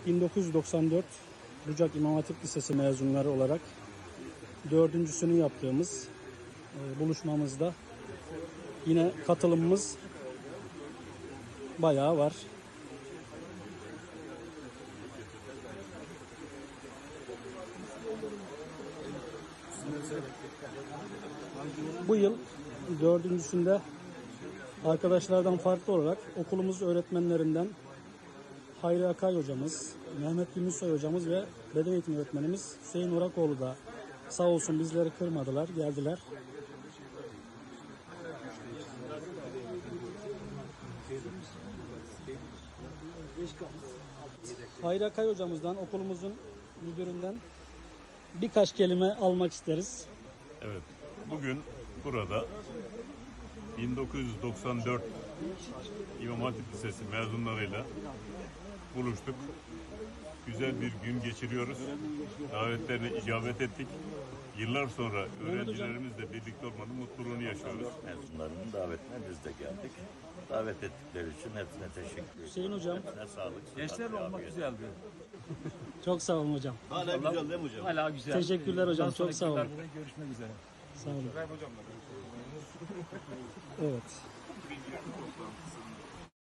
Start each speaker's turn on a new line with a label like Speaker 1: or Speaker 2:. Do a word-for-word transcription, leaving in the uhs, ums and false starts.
Speaker 1: bin dokuz yüz doksan dört Bucak İmam Hatip Lisesi mezunları olarak dördüncüsünü yaptığımız e, buluşmamızda yine katılımımız bayağı var. Bu yıl dördüncüsünde arkadaşlardan farklı olarak okulumuz öğretmenlerinden Hayri Akay hocamız, Mehmet Gümüşsoy hocamız ve beden eğitimi öğretmenimiz Hüseyin Orakoğlu da sağ olsun bizleri kırmadılar, geldiler. Hayri Akay hocamızdan, okulumuzun müdüründen birkaç kelime almak isteriz.
Speaker 2: Evet, bugün burada bin dokuz yüz doksan dört İmam Hatip Lisesi mezunlarıyla buluştuk. Güzel bir gün geçiriyoruz. Davetlerine icabet ettik. Yıllar sonra öğrencilerimizle birlikte olmanın mutluluğunu yaşıyoruz.
Speaker 3: Mezunlarının davetine biz de geldik. Davet ettikleri için hepsine teşekkür ederim.
Speaker 1: Hüseyin hocam.
Speaker 3: Hepsine sağlık.
Speaker 4: Gençlerle olmak güzeldi.
Speaker 1: Çok sağ olun hocam.
Speaker 5: Hala güzel değil mi hocam?
Speaker 4: Hala güzel.
Speaker 1: Teşekkürler hocam,
Speaker 4: Bundan
Speaker 1: çok sağ olun.
Speaker 4: sonraki yıllarda görüşmek üzere.
Speaker 1: Sağ olun. Evet.